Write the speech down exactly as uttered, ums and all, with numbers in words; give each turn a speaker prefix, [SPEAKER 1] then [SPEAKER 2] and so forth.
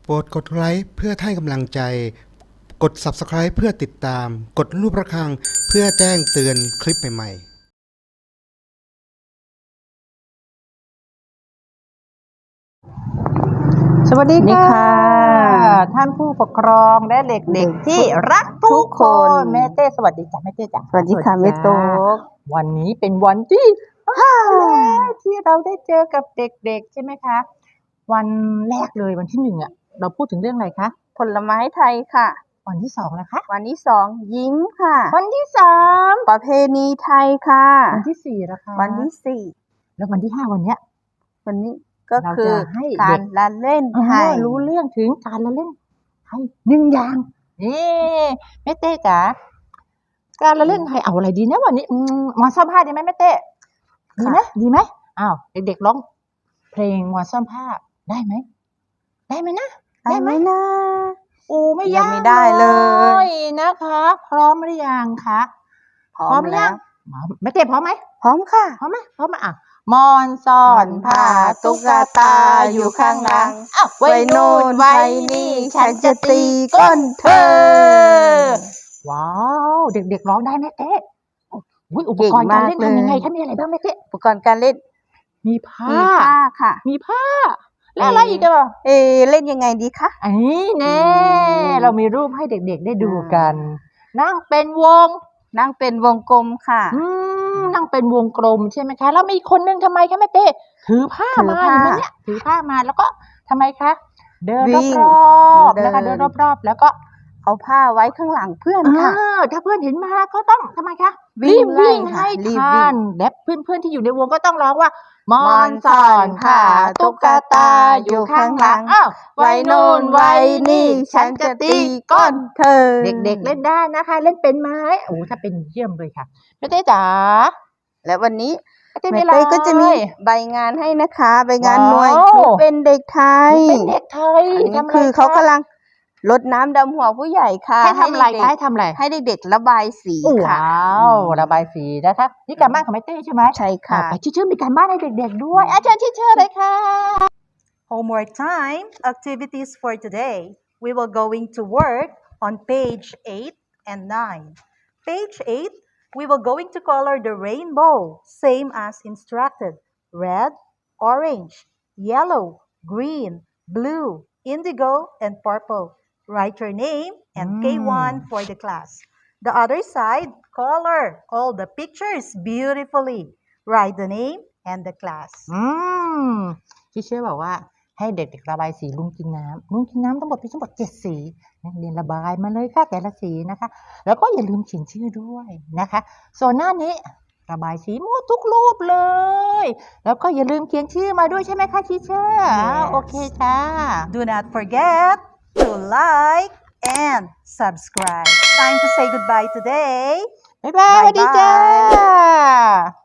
[SPEAKER 1] โปรดกดไลค์เพื่อให้กำลังใจกด ซับสไครบ์ เพื่อติดตามกดรูประฆังเพื่อแจ้งเตือนคลิปใหม่ๆ
[SPEAKER 2] สวัสดีค่ะท่านผู้ปกครองและเด็กๆที่รักทุกคนแม่เต้สวัสดีจ้ะแม่เต้จ้ะ
[SPEAKER 3] สวัสดีค่ะแม่โต๊ก
[SPEAKER 2] วันนี้เป็นวันที่ห้าแล้วที่เราได้เจอกับเด็กๆใช่ไหมคะวันแรกเลยวันที่หนึ่งอ่ะเราพูดถึงเรื่องอะไรคะ
[SPEAKER 3] ผลไม้ไทยค่ะ
[SPEAKER 2] วันที่สองนะคะ
[SPEAKER 3] วันที่สองยิ้มค่ะ
[SPEAKER 2] วันที่สาม
[SPEAKER 3] ประเพณีไทยค่ะ
[SPEAKER 2] วันที่สี่นะคะ
[SPEAKER 3] วันที่สี่
[SPEAKER 2] แล้ววันที่ห้าวันเนี้ย
[SPEAKER 3] วันนี้ก็คือ
[SPEAKER 2] ให้
[SPEAKER 3] การละเล่นไทย
[SPEAKER 2] รู้เรื่องถึงการละเล่นไทยหนึ่งอย่างนี่แม่เต้จ๋าการละเล่นไทยเอาอะไรดีนะวันนี้หมอซ่อมผ้าดีไหมแม่เต้ดีไหมดีไหมอ้าวเด็กๆร้องเพลงหมอซ่อมผ้าได้ไหมได้ไหมนะ
[SPEAKER 3] ได้ไหมนะ
[SPEAKER 2] โอ้ไม่ยาก
[SPEAKER 3] ไม่ได้เลย
[SPEAKER 2] นะคะพร้อมหรือยังคะ
[SPEAKER 3] พร้อมแล้ว
[SPEAKER 2] แม่เต้พร้อมไหม
[SPEAKER 3] พร้อมค่ะ
[SPEAKER 2] พร้อมไหมพร้อมไหมอ่ะมอนซ่อนผ้าตุ๊กตาอยู่ข้างหลังอ้าวไว้โน่นไว้นี่ฉันจะตีก้นเธอว้าวเด็กๆร้องได้ไหมเต้อุปกรณ์การเล่นทำยังไงคะมีอะไรบ้างแม่เต้
[SPEAKER 3] อุปกรณ์การเล่น
[SPEAKER 2] มีผ้า
[SPEAKER 3] มีผ้าค่ะ
[SPEAKER 2] มีผ้าแล้วอะไรอีกอ่ะ
[SPEAKER 3] เอเล่นยังไงดีคะ
[SPEAKER 2] อันนี้แน่เรามีรูปให้เด็กๆได้ดูกันนั่งเป็นวง
[SPEAKER 3] นั่งเป็นวงกลมค่ะ
[SPEAKER 2] นั่งเป็นวงกลมใช่ไหมคะแล้วมีคนนึงทำไมคะแม่เต้ถือผ้ามาเห็นไหมเนี่ยถือผ้ามาแล้วก็ทำไมคะเดินรอบๆนะคะเดินรอบๆแล้วก็
[SPEAKER 3] เอาผ้าไว้ข้างหลังเพื่อนค่ะ
[SPEAKER 2] ถ้าเพื่อนเห็นมาก็ต้องทำไมคะวิ่งวิ่งให้ทันและเพื่อนๆที่อยู่ในวงก็ต้องร้องว่ามอนซ่อนผ้าตุ๊กตาอยู่ข้างหลังอ้าวไว้โน่นไว้นี่ฉันจะตีก้น
[SPEAKER 3] เธอ
[SPEAKER 2] เด็กๆเล่นได้นะคะเล่นเป็นไหมโอ้ถ้าเป็นเยี่ยมเลยค่ะแม่เต้จ๋า
[SPEAKER 3] และวันนี้แม่เต้ก็จะมีใบงานให้นะคะใบงานหน่วยหนูเป็นเด็กไทย
[SPEAKER 2] เป็นเด็กไทย
[SPEAKER 3] คือเขากำลังรดน้ำดำหัวผู้ใหญ่ค่ะ
[SPEAKER 2] ให้ทำอะไรให้ทำอะไร
[SPEAKER 3] ให้เด็กๆระบายสีค่ะ
[SPEAKER 2] ว้าวระบายสีนะคะนี่การบ้านของแม่เต้ใช่ไหม
[SPEAKER 3] ใช่ค่ะ
[SPEAKER 2] ไปชื่อๆมีการบ้านให้เด็กๆด้วยอาจารย์ชื่อๆเลยค่ะ
[SPEAKER 4] Homework time, activities for today. We will going to work on page eight and nine. Page eight, we will going to color the rainbow, same as instructed. Red, orange, yellow, green, blue, indigo, and purple. Write your name and mm. K one for the class. The other side, color all the pictures beautifully. Write the name and the class.
[SPEAKER 2] อืมที่เชื่อบอกว่าให้เด็กๆระบายสีลุงกินน้ำลุงกินน้ำทั้งหมดมีทั้งหมดเจ็ดสีนักเรียนระบายมาเลยค่ะแต่ละสีนะคะแล้วก็อย่าลืมเขียนชื่อด้วยนะคะส่วนหน้านี้ระบายสีหมดทุกรูปเลยแล้วก็อย่าลืมเขียนชื่อมาด้วยใช่ไหมคะทีเชอร์
[SPEAKER 4] yes.
[SPEAKER 2] โอเคจ้า
[SPEAKER 4] Do not forget to like and subscribe. Time to say goodbye today.
[SPEAKER 2] บ๊ายบายสวัสดีจ้า